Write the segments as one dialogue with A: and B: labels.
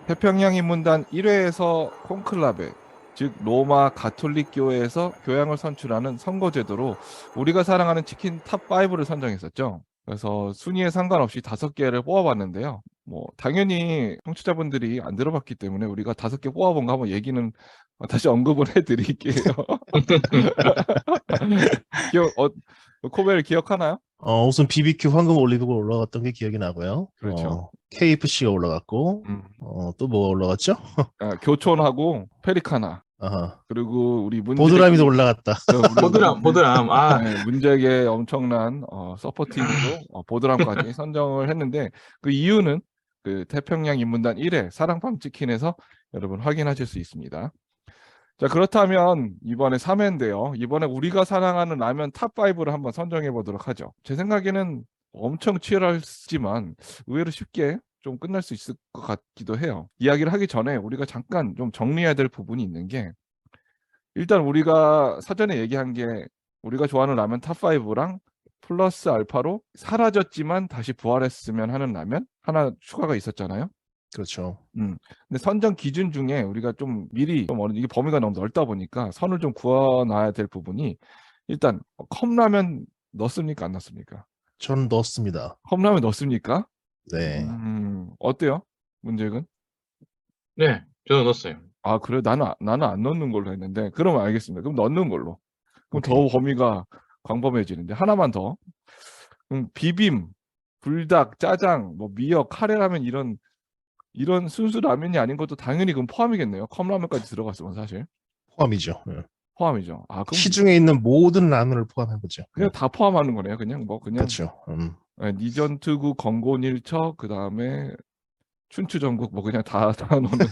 A: 태평양 인문단 1회에서 콘클라베, 즉 로마 가톨릭 교회에서 교양을 선출하는 선거제도로 우리가 사랑하는 치킨 탑5를 선정했었죠. 그래서 순위에 상관없이 5개를 뽑아봤는데요. 뭐 당연히 청취자분들이 안 들어봤기 때문에 우리가 5개 뽑아본 거 한번 얘기는 다시 언급을 해드릴게요. 기억, 코벨 기억하나요?
B: 우선 BBQ 황금 올리브가 올라갔던 게 기억이 나고요.
A: 그렇죠.
B: KFC가 올라갔고,
A: 음,
B: 또 뭐가 올라갔죠?
A: 교촌하고 페리카나,
B: 아하.
A: 그리고 우리
B: 보드라미도
A: 문재기,
B: 올라갔다.
A: 우리
C: 보드람. 아,
A: 네, 문제의 엄청난 서포팅으로 보드람까지 선정을 했는데 그 이유는 그 태평양 인문단 1회 사랑밤 치킨에서 여러분 확인하실 수 있습니다. 자, 그렇다면 이번에 3회인데요. 이번에 우리가 사랑하는 라면 탑5를 한번 선정해 보도록 하죠. 제 생각에는 엄청 치열하지만 의외로 쉽게 좀 끝날 수 있을 것 같기도 해요. 이야기를 하기 전에 우리가 잠깐 좀 정리해야 될 부분이 있는 게, 일단 우리가 사전에 얘기한 게 우리가 좋아하는 라면 탑5랑 플러스 알파로 사라졌지만 다시 부활했으면 하는 라면 하나 추가가 있었잖아요.
B: 그렇죠.
A: 근데 선정 기준 중에 우리가 좀 미리 이게 범위가 너무 넓다 보니까 선을 좀 그어놔야 될 부분이, 일단 컵라면 넣습니까, 안 넣습니까?
B: 저는 넣었습니다.
A: 컵라면 넣습니까?
B: 네.
A: 어때요, 문제는?
C: 네, 저도 넣었어요.
A: 아, 그래? 나는 안 넣는 걸로 했는데. 그러면 알겠습니다. 그럼 넣는 걸로. 그럼 더
B: 오케이.
A: 범위가 광범해지는데. 하나만 더. 비빔, 불닭, 짜장, 뭐 미역, 카레라면 이런 순수 라면이 아닌 것도 당연히 그럼 포함이겠네요. 컵라면까지 들어갔으면 사실
B: 포함이죠.
A: 포함이죠. 아, 그럼
B: 시중에 있는 모든 라면을 포함해보죠.
A: 그냥 다 포함하는 거네요. 그냥 그냥
B: 그렇죠.
A: 니전투구, 건곤일처, 그 다음에 춘추전국 뭐 그냥 다 넣는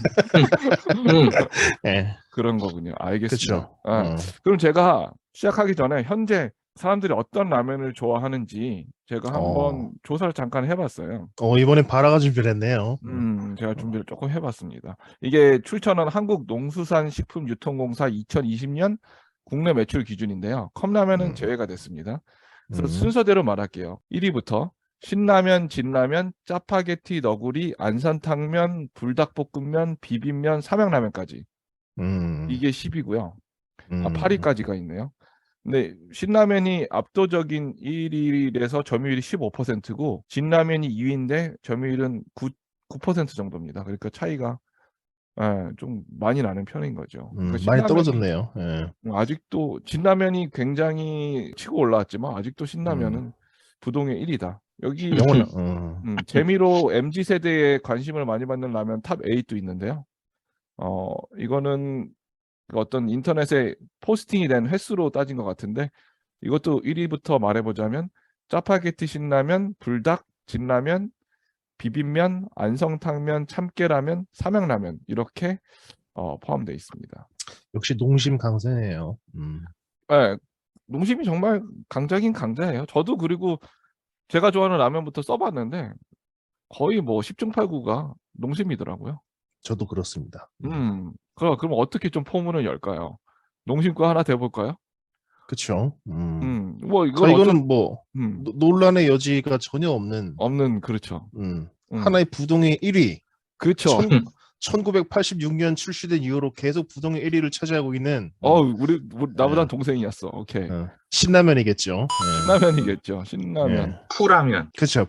B: 네.
A: 그런 거군요. 알겠습니다.
B: 그렇죠.
A: 그럼 제가 시작하기 전에 현재 사람들이 어떤 라면을 좋아하는지 제가 한번 조사를 잠깐 해봤어요.
B: 이번엔 바라가 준비를 했네요.
A: 제가 준비를 조금 해봤습니다. 이게 출처는 한국농수산식품유통공사 2020년 국내 매출 기준인데요. 컵라면은 제외가 됐습니다. 그래서 순서대로 말할게요. 1위부터 신라면, 진라면, 짜파게티, 너구리, 안산탕면, 불닭볶음면, 비빔면, 삼양라면까지. 이게 10위고요. 8위까지가 있네요. 근데 신라면이 압도적인 1위에서 점유율이 15%고 진라면이 2위인데 점유율은 9% 정도입니다. 그러니까 차이가 좀 많이 나는 편인 거죠. 그러니까
B: 많이
A: 신라면이
B: 떨어졌네요. 예.
A: 아직도 진라면이 굉장히 치고 올라왔지만 아직도 신라면은 부동의 1위다. 여기
B: 영원.
A: 재미로 MZ 세대에 관심을 많이 받는 라면 탑 8도 있는데요. 이거는 어떤 인터넷에 포스팅이 된 횟수로 따진 것 같은데, 이것도 1위부터 말해보자면 짜파게티 신라면, 불닭, 진라면, 비빔면, 안성탕면, 참깨라면, 삼양라면 이렇게 포함되어 있습니다.
B: 역시 농심 강세네요.
A: 네, 농심이 정말 강자긴 강자예요. 저도 그리고 제가 좋아하는 라면부터 써봤는데 거의 뭐 10중 8구가 농심이더라고요.
B: 저도 그렇습니다.
A: 그럼 어떻게 좀 포문을 열까요? 농심 거 하나 대볼까요?
B: 그렇죠.
A: 뭐
B: 이거는 뭐
A: 음,
B: 논란의 여지가 전혀 없는
A: 없는, 그렇죠.
B: 하나의 부동의 1위.
A: 그렇죠.
B: 1986년 출시된 이후로 계속 부동의 1위를 차지하고 있는
A: 우리 나보단 동생이었어. 오케이.
B: 신라면이겠죠.
A: 신라면이겠죠. 신라면.
C: 푸라면.
B: 그렇죠.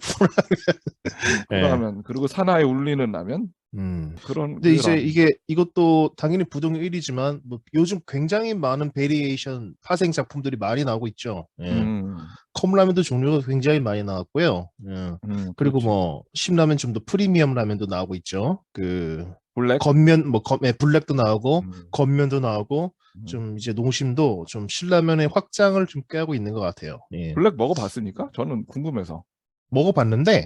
A: 푸라면. 그리고 사나이 울리는 라면. 그런.
B: 근데 이제 이것도 당연히 부동의 1위지만 뭐 요즘 굉장히 많은 베리에이션 파생 작품들이 많이 나오고 있죠. 컵라면도 종류가 굉장히 많이 나왔고요. 그리고
A: 그렇죠.
B: 뭐 신라면 좀 더 프리미엄 라면도 나오고 있죠. 그
A: 블랙.
B: 겉면 블랙도 나오고 겉면도 나오고 좀 이제 농심도 좀 신라면의 확장을 좀 꾀하고 있는 것 같아요. 예.
A: 블랙 먹어봤습니까? 저는 궁금해서.
B: 먹어봤는데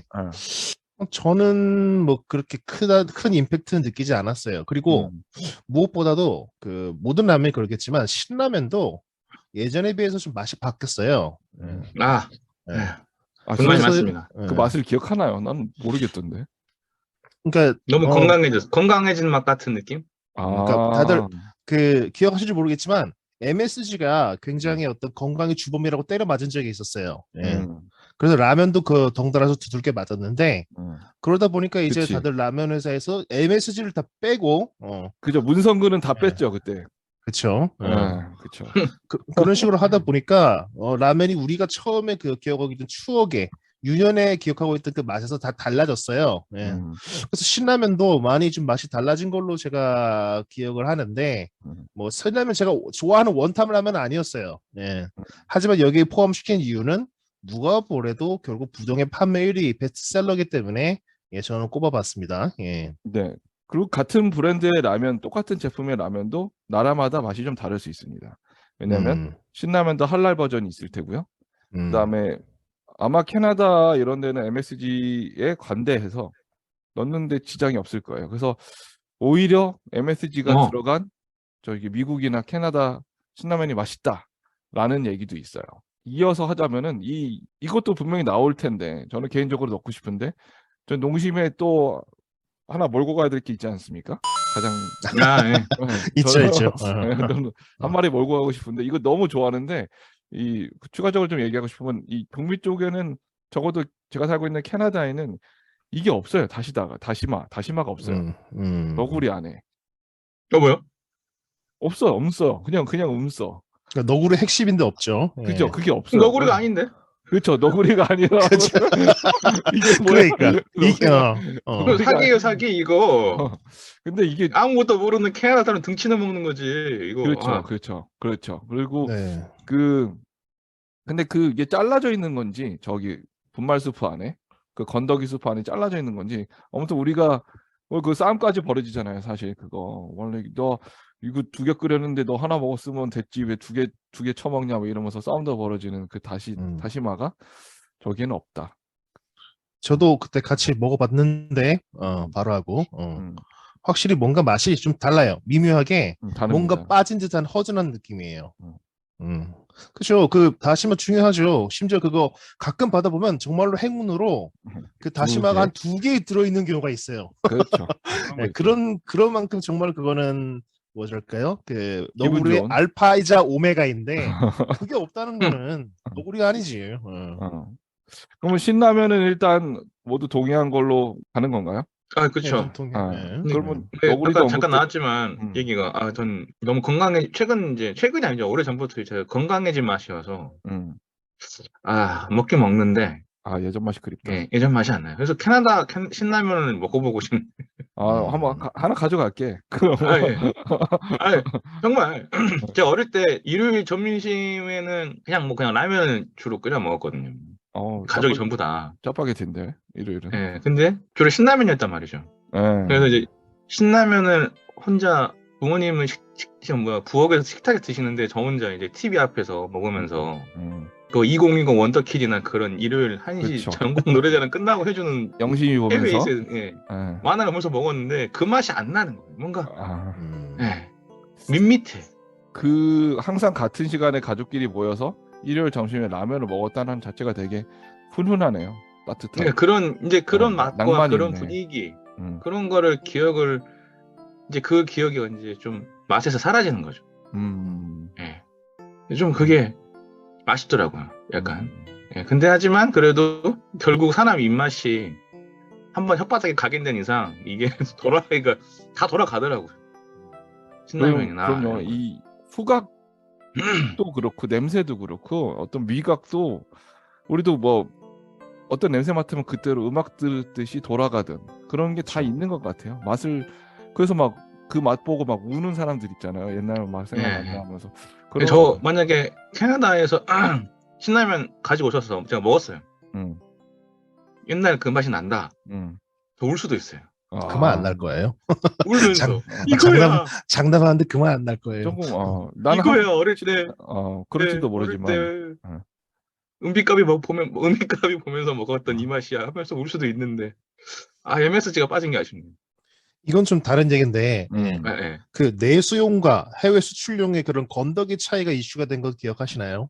B: 저는 뭐 그렇게 큰 임팩트는 느끼지 않았어요. 그리고 무엇보다도 그 모든 라면이 그렇겠지만 신라면도 예전에 비해서 좀 맛이 바뀌었어요.
C: 불만이 많습니다.
A: 그 맛을 기억하나요? 난 모르겠던데.
B: 그러니까
C: 너무 건강해진 맛 같은 느낌?
B: 그러니까 다들 그 기억하실지 모르겠지만 MSG가 굉장히 어떤 건강의 주범이라고 때려 맞은 적이 있었어요. 예. 그래서 라면도 그 덩달아서 두들겨 맞았는데 그러다 보니까 이제
A: 그치.
B: 다들 라면 회사에서 MSG를 다 빼고
A: 그죠. 문성근은 다
B: 예.
A: 뺐죠 그때.
B: 그쵸.
A: 그쵸.
B: 그런 식으로 하다 보니까 라면이 우리가 처음에 그 기억하고 있던 추억에 유년에 기억하고 있던 그 맛에서 다 달라졌어요. 예. 그래서 신라면도 많이 좀 맛이 달라진 걸로 제가 기억을 하는데 뭐 신라면 제가 좋아하는 원탑 라면은 아니었어요. 예. 하지만 여기에 포함시킨 이유는 누가 뭐래도 결국 부동의 판매 1위 베스트셀러이기 때문에 예, 저는 꼽아봤습니다. 예.
A: 네. 그리고 같은 브랜드의 라면, 똑같은 제품의 라면도 나라마다 맛이 좀 다를 수 있습니다. 왜냐하면
B: 음,
A: 신라면도 할랄 버전이 있을 테고요.
B: 음,
A: 그다음에 아마 캐나다 이런 데는 MSG에 관대해서 넣는데 지장이 없을 거예요. 그래서 오히려 MSG가
C: 어.
A: 들어간 저기 미국이나 캐나다 신라면이 맛있다라는 얘기도 있어요. 이어서 하자면은 이것도 분명히 나올 텐데 저는 개인적으로 넣고 싶은데 전 농심에 또 하나 몰고 가야 될 게 있지 않습니까? 가장
C: 아, 예.
B: 있죠,
A: 저는
B: 있죠.
A: 저는 한 마리 몰고 가고 싶은데 이거 너무 좋아하는데 추가적으로 좀 얘기하고 싶으면 이 북미 쪽에는 적어도 제가 살고 있는 캐나다에는 이게 없어요. 다시마가 없어요. 너구리 안에
C: 뭐요?
A: 없어. 그냥 써.
B: 그러니까 너구리 핵심인데 없죠.
A: 그죠?
B: 예.
A: 그게 없어요.
C: 너구리가 아닌데?
A: 그렇죠. 너구리가 아니라
B: 그죠?
A: 이게 뭐야?
B: 그러니까
C: 이거
A: 우리가-
C: 사기예요, 사기 이거.
A: 근데 이게
C: 아무것도 모르는 캐나다 사람 등치나 먹는 거지. 이거.
A: 그렇죠. 그리고
B: 네.
A: 근데 이게 잘라져 있는 건지 저기 분말 수프 안에 그 건더기 수프 안에 잘라져 있는 건지 아무튼 우리가 그 싸움까지 벌어지잖아요. 사실 그거 원래 너 이거 2개 끓였는데 너 하나 먹었으면 됐지 왜 두 개 처먹냐 뭐 이러면서 싸움도 벌어지는 그 다시마가 저기에는 없다.
B: 저도 그때 같이 먹어봤는데 바로 하고 확실히 뭔가 맛이 좀 달라요. 미묘하게
A: 다릅니다.
B: 뭔가 빠진 듯한 허전한 느낌이에요. 그죠. 그 다시마 중요하죠. 심지어 그거 가끔 받아보면 정말로 행운으로 그 다시마가 한 2개 들어있는 경우가 있어요.
A: 그렇죠.
B: 네, 그런 만큼 정말 그거는 뭐랄까요? 그
A: 기분
B: 너구리의
A: 좋은.
B: 알파이자 오메가인데 그게 없다는 거는 너구리가 아니지.
A: 그러면 신라면은 일단 모두 동의한 걸로 가는 건가요?
C: 아,
B: 네,
C: 그쵸.
B: 좀 동의해요. 네.
A: 그러면
C: 네,
A: 너구리도
C: 아까 잠깐
A: 언급돼.
C: 나왔지만 얘기가 전 너무 최근이 아니죠. 오래 전부터 제가 건강해진 맛이어서 먹긴 먹는데
A: 예전 맛이 그립다.
C: 예, 예전 맛이 안 나요. 그래서 캐나다 신라면을 먹어보고 싶네.
A: 한번 하나 가져갈게. 그럼
C: 아, 예. 정말 제가 어릴 때 일요일 점심에는 그냥 라면을 주로 끓여 먹었거든요. 가족이 전부 다.
A: 짜파게티인데 일요일은.
C: 예, 근데 주로 신라면이었단 말이죠. 그래서 이제 신라면을 혼자 부모님은 부엌에서 식탁에 드시는데 저 혼자 이제 TV 앞에서 먹으면서 그 2020 원더키드나 그런 일요일 1시
A: 그쵸.
C: 전국 노래자랑 끝나고 해주는
A: 영심이 보면서.
C: 만화를 보면서 먹었는데 그 맛이 안 나는 거예요. 뭔가 밋밋해.
A: 항상 같은 시간에 가족끼리 모여서 일요일 점심에 라면을 먹었다는 자체가 되게 훈훈하네요. 따뜻한.
C: 그런 맛과
A: 낭만이
C: 그런
A: 있네.
C: 분위기 그런 거를 그 기억이 이제 좀 맛에서 사라지는 거죠. 좀 그게 맛있더라고요. 약간. 근데 하지만 그래도 결국 사람 입맛이 한번 혓바닥에 각인된 이상 이게 다 돌아가더라고요. 신라면이나.
A: 그럼요. 이 후각도 그렇고 냄새도 그렇고 어떤 미각도 우리도 뭐 어떤 냄새 맡으면 그때로 음악 들듯이 돌아가든 그런 게 다 있는 것 같아요. 그래서 막 그 맛 보고 막 우는 사람들 있잖아요. 옛날 맛 생각난다 하면서.
C: 저 만약에 캐나다에서 신라면 가지고 오셔서 제가 먹었어요. 옛날 그 맛이 난다. 저 울 수도 있어요.
B: 그만 안 날 거예요.
C: 울면서 이거야.
B: 장담하는데 그만 안 날 거예요.
A: 조금 나는
C: 이거야 어릴 때.
A: 그럴지도 모르지만
C: 어릴 때 은비값이 보면서 먹었던 이 맛이야 하면서 울 수도 있는데 MSG가 빠진 게 아쉽네요.
B: 이건 좀 다른 얘기인데 그 내수용과 해외 수출용의 그런 건더기 차이가 이슈가 된 거 기억하시나요?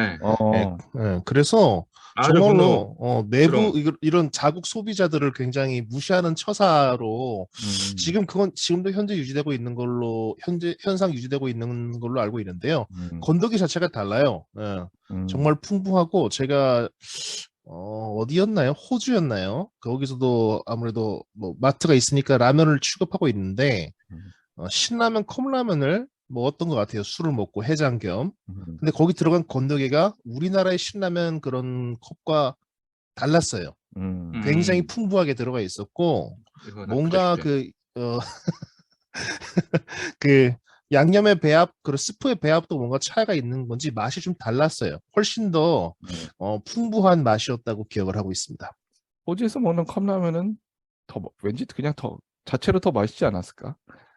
B: 그래서 정말로 내부 이런 자국 소비자들을 굉장히 무시하는 처사로 지금도 현재 유지되고 있는 걸로 현상 유지되고 있는 걸로 알고 있는데요. 건더기 자체가 달라요. 정말 풍부하고 제가 어디였나요? 호주였나요? 거기서도 아무래도 뭐 마트가 있으니까 라면을 취급하고 있는데
A: 음.
B: 신라면 컵라면을 먹었던 것 같아요. 술을 먹고 해장 겸.
A: 음.
B: 근데 거기 들어간 건더기가 우리나라의 신라면 그런 컵과 달랐어요.
A: 음.
B: 굉장히 풍부하게 들어가 있었고
C: 이거 나쁘죠,
B: 뭔가
C: 쉽게.
B: 그 양념의 배합, 그 스프의 배합도 뭔가 차이가 있는 건지 맛이 좀 달랐어요. 훨씬 더 풍부한 맛이었다고 기억을 하고 있습니다.
A: 호주에서 먹는 컵라면은 왠지 그냥 더 자체로 더 맛있지 않았을까?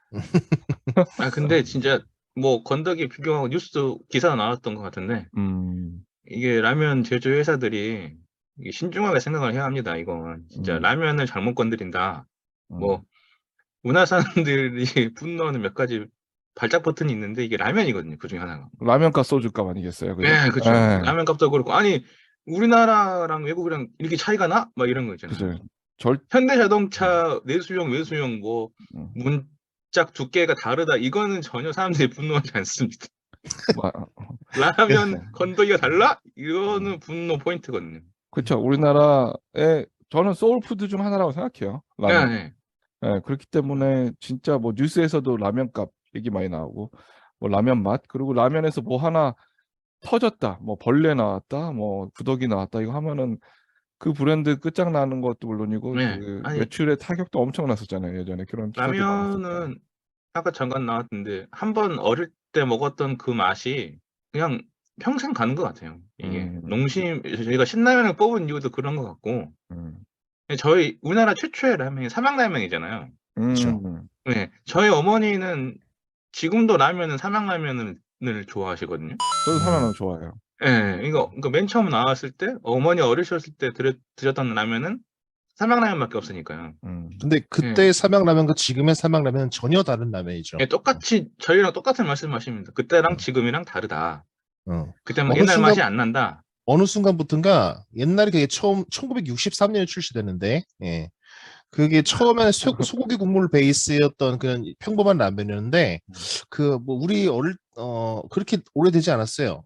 C: 아 근데 진짜 뭐 건더기 비교하고 뉴스 기사 나왔던 것 같은데 이게 라면 제조 회사들이 이게 신중하게 생각을 해야 합니다. 이건 진짜 라면을 잘못 건드린다. 뭐 문화 사람들이 분노하는 몇 가지 발작 버튼이 있는데 이게 라면이거든요. 그 중에 하나가.
A: 라면값 소주값 아니겠어요, 그죠?
C: 네, 그렇죠.
A: 예.
C: 라면 값도 그렇고 아니 우리나라랑 외국이랑 이렇게 차이가 나? 막 이런 거 있잖아요.
A: 그죠.
C: 현대자동차 내수용, 외수용 뭐
A: 음.
C: 문짝 두께가 다르다. 이거는 전혀 사람들이 분노하지 않습니다.
A: 마-
C: 라면 건더기가 달라? 이거는 분노 포인트거든요.
A: 그렇죠. 우리나라의 저는 소울푸드 중 하나라고 생각해요. 라면.
C: 네,
A: 예, 그렇기 때문에 진짜 뭐 뉴스에서도 라면값 얘기 많이 나오고 뭐 라면 맛 그리고 라면에서 뭐 하나 터졌다, 뭐 벌레 나왔다, 뭐 구더기 나왔다 이거 하면은 그 브랜드 끝장나는 것도 물론이고
C: 네.
A: 그
C: 아니
A: 매출의 타격도 엄청 났었잖아요. 예전에 그런 기사도 많았었고.
C: 라면은 아까 잠깐 나왔는데 한 번 어릴 때 먹었던 그 맛이 그냥 평생 가는 것 같아요. 이게 농심 저희가 신라면을 뽑은 이유도 그런 것 같고 저희 우리나라 최초의 라면이 삼양라면이잖아요.
B: 그렇죠.
C: 네, 저희 어머니는 지금도 라면은 삼양라면을 좋아하시거든요.
A: 저도 삼양라면 좋아해요.
C: 예, 이거 그러니까 맨 처음 나왔을 때 어머니 어리셨을 때 드셨던 라면은 삼양라면밖에 없으니까요.
B: 근데 그때의 삼양라면과 지금의 삼양라면은 전혀 다른 라면이죠.
C: 예, 똑같이 저희랑 똑같은 말씀하십니다. 그때랑 지금이랑 다르다. 그때 막
B: 어느
C: 옛날
B: 순간
C: 맛이 안 난다.
B: 어느 순간부터인가 옛날에 그게 처음 1963년에 출시됐는데 그게 처음에는 소고기 국물 베이스였던 그런 평범한 라면이었는데 그 뭐 우리 그렇게 오래되지 않았어요.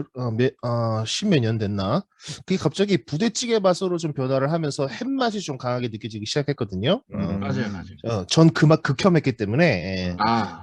B: 십몇 년 됐나? 그게 갑자기 부대찌개 맛으로 좀 변화를 하면서 햇맛이 좀 강하게 느껴지기 시작했거든요.
C: 맞아요.
B: 전 그 맛 극혐했기 때문에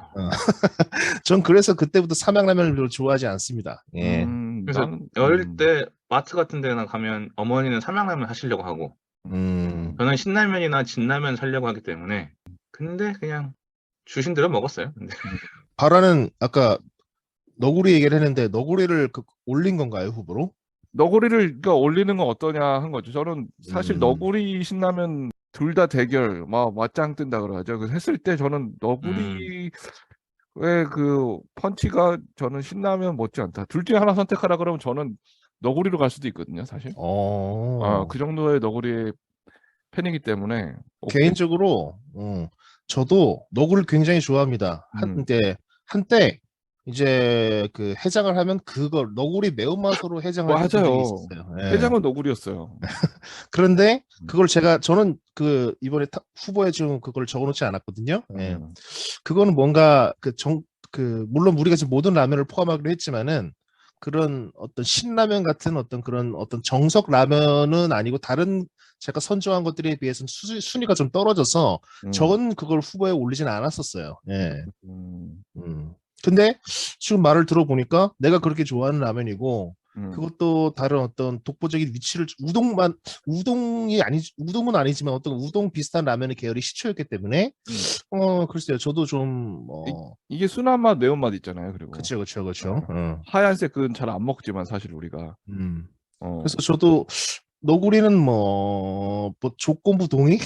B: 전 그래서 그때부터 삼양라면을 별로 좋아하지 않습니다.
C: 그래서 어릴 때 마트 같은 데나 가면 어머니는 삼양라면 하시려고 하고 저는 신라면이나 진라면 사려고 하기 때문에 근데 그냥 주신 대로 먹었어요. 근데.
B: 바라는 아까 너구리 얘기를 했는데 너구리를 올린 건가요, 후보로?
A: 너구리를 그러니까 올리는 건 어떠냐 한 거죠. 저는 사실 너구리 신라면 둘 다 대결 막 맞짱 뜬다 그러죠. 그래서 했을 때 저는 너구리의 그 펀치가 저는 신라면 못지 않다. 둘 중에 하나 선택하라 그러면 저는 너구리로 갈 수도 있거든요, 사실. 그 정도의 너구리의 팬이기 때문에
B: 개인적으로 저도 너구리를 굉장히 좋아합니다. 한때 이제 그 해장을 하면 그걸 너구리 매운맛으로 해장을 했던 적이
A: 맞아요.
B: 있었어요.
A: 해장은 너구리였어요.
B: 그런데 그걸 저는 그 이번에 후보에 지금 그걸 적어놓지 않았거든요. 그거는 뭔가 물론 우리가 지금 모든 라면을 포함하기로 했지만은 그런 어떤 신라면 같은 그런 정석 라면은 아니고 다른 제가 선정한 것들에 비해서는 순위가 좀 떨어져서 저는 그걸 후보에 올리진 않았었어요. 근데 지금 말을 들어보니까 내가 그렇게 좋아하는 라면이고 그것도 다른 어떤 독보적인 위치를 우동은 아니지만 어떤 우동 비슷한 라면의 계열이 시초였기 때문에 글쎄요. 저도 좀
A: 이게 순한 맛, 매운맛 있잖아요. 그리고
B: 그렇죠.
A: 하얀색은 잘 안 먹지만 사실 우리가
B: 그래서 저도 너구리는 뭐 조건부 동의?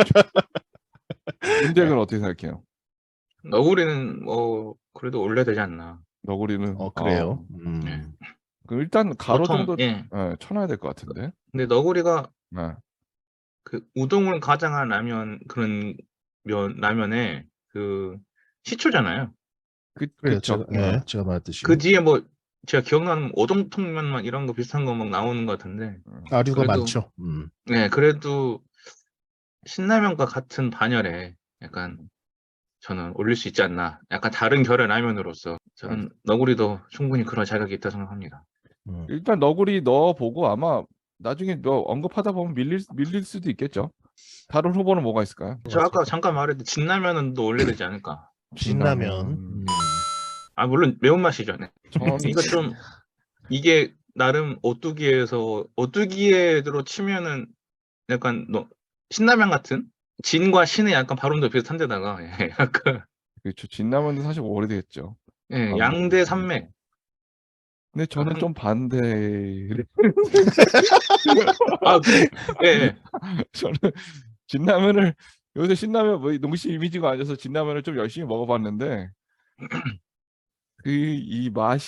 A: 문제는 어떻게 생각해요?
C: 너구리는 뭐 그래도 올려야 되지 않나.
A: 너구리는
B: 그래요.
A: 그럼 일단 가로
C: 보통,
A: 정도 쳐놔야 될 것 같은데.
C: 근데 너구리가 그 우동을 가장한 라면 그런 라면에 그 시초잖아요.
B: 그래요. 제가 말했듯이
C: 그 뒤에 뭐 제가 기억나는 오동통면만 이런 거 비슷한 거 막 나오는 것 같은데
B: 아류가 많죠.
C: 네, 그래도 신라면과 같은 반열에 약간 저는 올릴 수 있지 않나. 약간 다른 결의 라면으로서 저는 너구리도 충분히 그런 자격이 있다고 생각합니다.
A: 일단 너구리 넣어보고 아마 나중에 뭐 언급하다 보면 밀릴 수도 있겠죠. 다른 후보는 뭐가 있을까요?
C: 저 아까 잠깐 말했던 진라면은 또 올려야 되지 않을까?
B: 진라면.
C: 아 물론 매운맛이죠. 네.
A: 저는
C: 이거 좀 이게 나름 오뚜기에로 치면은 약간 신라면 같은 진과 신의 약간 발음도 비슷한 데다가 예, 약간
A: 그렇죠. 진라면도 사실 오래됐죠.
C: 예, 양대 산맥.
A: 근데 저는 좀 반대.
C: 아, 예, 예.
A: 저는 진라면을 요새 신라면 뭐 농심 이미지가 아니어서 진라면을 좀 열심히 먹어봤는데 이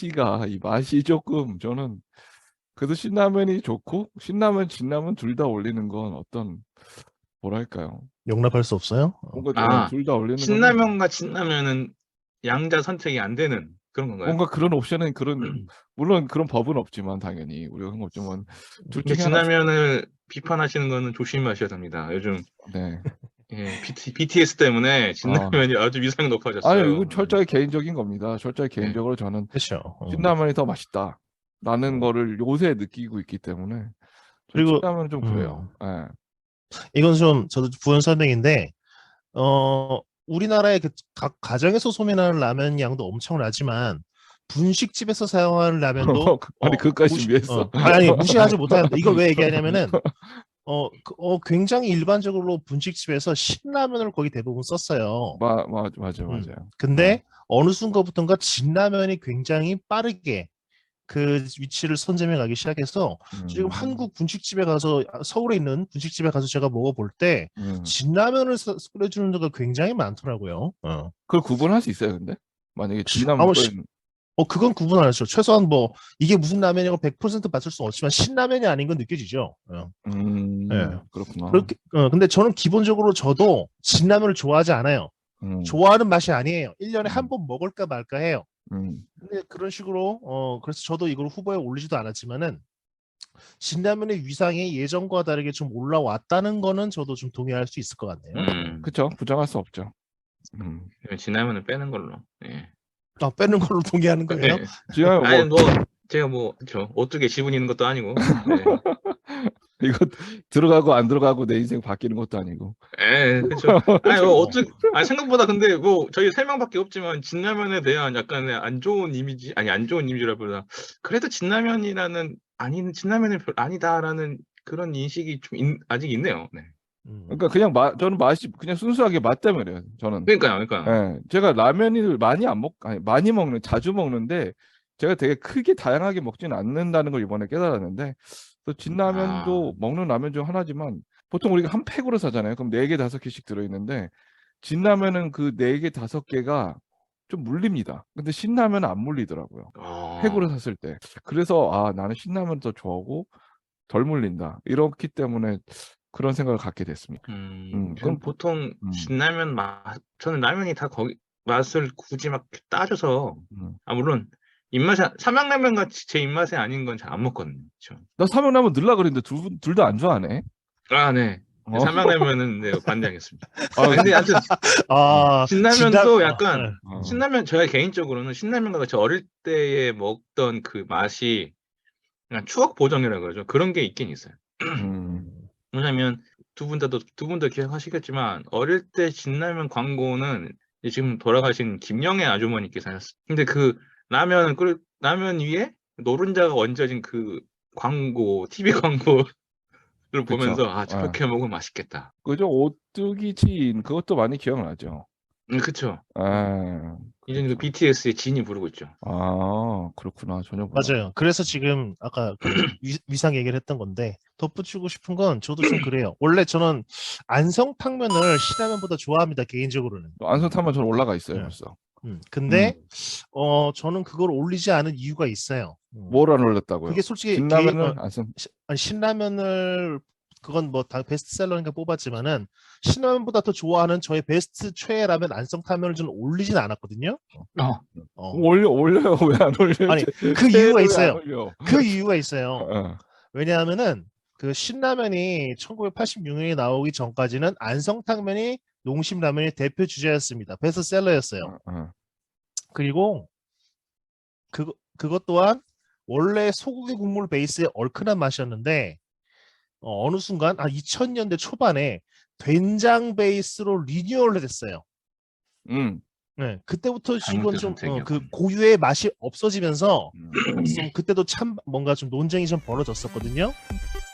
A: 맛이 조금 저는 그래도 신라면이 좋고 신라면 진라면 둘 다 올리는 건 어떤 뭐랄까요?
B: 용납할 수 없어요?
A: 뭔가
C: 아,
A: 둘 다 올리는 거는
C: 신라면과 진라면은 양자 선택이 안 되는 그런 건가요?
A: 뭔가 그런 옵션은 물론 그런 법은 없지만 당연히 우리가 그런 거 없지만 둘
C: 근데
A: 중에 하나
C: 진라면을 비판하시는 거는 조심하셔야 됩니다. 요즘
A: 네.
C: 예, BTS 때문에 진라면이 아주 위상이
A: 아니
C: 높아졌어요.
A: 이건 철저히 개인적인 겁니다. 철저히
C: 네.
A: 개인적으로 저는
B: 그렇죠.
A: 신라면이 더 맛있다라는 거를 요새 느끼고 있기 때문에
B: 그리고
A: 신라면은 좀 그래요. 예.
B: 이건 좀 저도 부연 설명인데 우리나라의 각 가정에서 소비하는 라면 양도 엄청나지만 분식집에서 사용하는 라면도
A: 아니 그것까지 준비했어.
B: 아니 무시하지 못합니다. 이걸 왜 얘기하냐면은 굉장히 일반적으로 분식집에서 신라면을 거의 대부분 썼어요.
A: 맞아요.
B: 근데 어느 순간부터인가 진라면이 굉장히 빠르게 그 위치를 선점해 가기 시작해서 지금 한국 분식집에 가서 서울에 있는 분식집에 가서 제가 먹어볼 때 진라면을 끓여주는 데가 굉장히 많더라고요.
A: 그걸 구분할 수 있어요, 근데 만약에 진라면
B: 그건 구분하죠. 최소한 뭐 이게 무슨 라면이라고 100% 맞출 수는 없지만 신라면이 아닌 건 느껴지죠. 예.
A: 그렇구나.
B: 그렇게 근데 저는 기본적으로 저도 진라면을 좋아하지 않아요. 좋아하는 맛이 아니에요. 1년에 한 번 먹을까 말까 해요. 근데 그런 식으로 그래서 저도 이걸 후보에 올리지도 않았지만은 진라면의 위상이 예전과 다르게 좀 올라왔다는 거는 저도 좀 동의할 수 있을 것 같네요.
A: 그렇죠. 부정할 수 없죠.
C: 진라면을 빼는 걸로. 예.
B: 빼는 걸로 동의하는 거예요?
C: 네. 아니 제가 저 오뚜기에 지분이 있는 것도 아니고. 네.
A: 이거 들어가고 안 들어가고 내 인생 바뀌는 것도 아니고.
C: 예, 그렇죠. 아니 생각보다 근데 뭐 저희 3명밖에 없지만 진라면에 대한 약간의 안 좋은 이미지라보다 그래도 진라면이라는 진라면이 아니다라는 그런 인식이 좀 아직 있네요. 네.
A: 그러니까 그냥 저는 맛이 그냥 순수하게 맛 때문에요. 저는.
C: 그러니까요.
A: 예, 제가 라면을 많이 자주 먹는데 제가 되게 크게 다양하게 먹지는 않는다는 걸 이번에 깨달았는데 또 진라면도 먹는 라면 중 하나지만 보통 우리가 한 팩으로 사잖아요. 그럼 4개, 5개씩 들어있는데 진라면은 그 4개, 5개가 좀 물립니다. 근데 신라면은 안 물리더라고요. 팩으로 샀을 때. 그래서 나는 신라면을 더 좋아하고 덜 물린다. 이렇기 때문에 그런 생각을 갖게 됐습니다.
C: 그럼 보통 진라면 저는 라면이 다 거기 맛을 굳이 막 따져서 물론 삼양라면 같이 제 입맛에 아닌 건 잘 안 먹거든요.
A: 나 삼양라면 넣으려고 그랬는데 둘 다 안 좋아하네.
C: 네. 삼양라면은 네, 반대하겠습니다. 근데 하여튼 진라면도 약간 신라면 제가 개인적으로는 신라면과 같이 어릴 때에 먹던 그 맛이 그냥 추억 보정이라고 그러죠. 그런 게 있긴 있어요. 왜냐면 두 분 다 기억하시겠지만 어릴 때 진라면 광고는 지금 돌아가신 김영애 아주머니께서 하셨어요. 근데 그 라면 위에 노른자가 얹어진 그 광고, TV 광고를 보면서 저렇게 먹으면 맛있겠다.
A: 그죠? 오뚜기 진 그것도 많이 기억나죠.
C: 그쵸. 이제
A: 그렇죠.
C: 그 BTS의 진이 부르고 있죠.
A: 그렇구나. 전혀 몰랐어요.
B: 맞아요. 그래서 지금 아까 위상 얘기를 했던 건데 덧붙이고 싶은 건 저도 좀 그래요. 원래 저는 안성탕면을 신라면보다 좋아합니다. 개인적으로는.
A: 안성탕면 저는 올라가 있어요. 벌써.
B: 근데 저는 그걸 올리지 않은 이유가 있어요.
A: 뭘 안 올렸다고요?
B: 그게 솔직히
A: 진라면을
B: 신라면을 그건 뭐 다 베스트셀러니까 뽑았지만은 신라면보다 더 좋아하는 저의 베스트 최애 라면 안성탕면을 저는 올리진 않았거든요.
A: 올려요. 왜 안 올려요?
B: 아니 그 이유가 있어요. 그 이유가 있어요. 왜냐하면은 그 신라면이 1986년에 나오기 전까지는 안성탕면이 농심라면의 대표 주제였습니다. 베스트셀러였어요. 그리고 그것 또한 원래 소고기 국물 베이스의 얼큰한 맛이었는데 어느 순간 2000년대 초반에 된장 베이스로 리뉴얼을 됐어요. 네, 그때부터 이건 좀 그 고유의 맛이 없어지면서 좀 그때도 참 뭔가 좀 논쟁이 좀 벌어졌었거든요.